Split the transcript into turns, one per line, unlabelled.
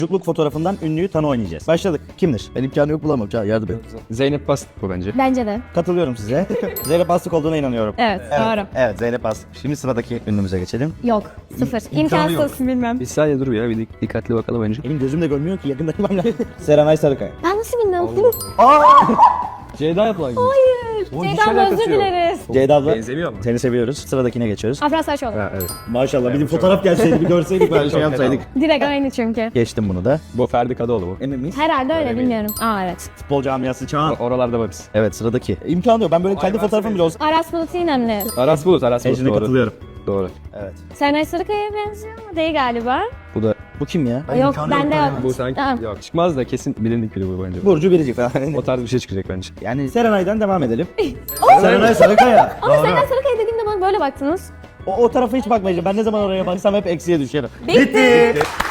Çocukluk fotoğrafından ünlüyü tanı oynayacağız. Başladık. Kimdir?
Ben imkanı yok bulamam. Yardım et.
Zeynep Bastık bu bence.
Bence de.
Katılıyorum size. Zeynep Bastık olduğuna inanıyorum.
Evet, doğru.
Evet, Zeynep Bastık. Şimdi sıradaki ünlümüze geçelim.
Yok. Sıfır. İmkansız bilmem.
Bir saniye dur ya, bir dikkatli bakalım önce.
Benim gözüm de görmüyor ki, yakında görmem lazım. Serenay Sarıkaya.
Ben nasıl bilmem?
Ceyda yapılan gibi.
Hayır.
Oğlum, hiç
Ceyda
alakası
özür
yok.
dileriz.
Ceyda abla.
Benzemiyor mu?
Seni seviyoruz. Sıradakine geçiyoruz.
Afra Saraçoğlu.
Ha, evet.
Maşallah bir fotoğraf gelseydi bir görseydik böyle şey yapsaydık.
Direkt aynı çünkü.
Geçtim bunu da.
Bu Ferdi Kadıoğlu bu.
Emin miyiz?
Herhalde öyle bilmiyorum. Aa evet.
Futbol camiası çağın.
Oralarda varız.
Evet sıradaki. İmkanı yok. Ben böyle kendi fotoğrafım bile olsa.
Aras Bulut İynemli.
Aras Bulut
Ecrin'e
doğru.
katılıyorum.
Doğru.
Evet.
Serenay Sarıkaya'ya benziyor ama değil galiba.
Bu da
Bu kim ya?
Yok bende yok.
bu sanki
Tamam.
yok çıkmaz da kesin bilindik biri bu bence.
Burcu Biricik falan.
O tarz bir şey çıkacak bence.
Yani Serenay'dan devam edelim. Serenay Sarıkaya.
Ama Serenay Sarıkaya dediğimde bana böyle baktınız.
O tarafa hiç bakmayacağım. Ben ne zaman oraya baksam hep eksiye düşerim.
Bitti.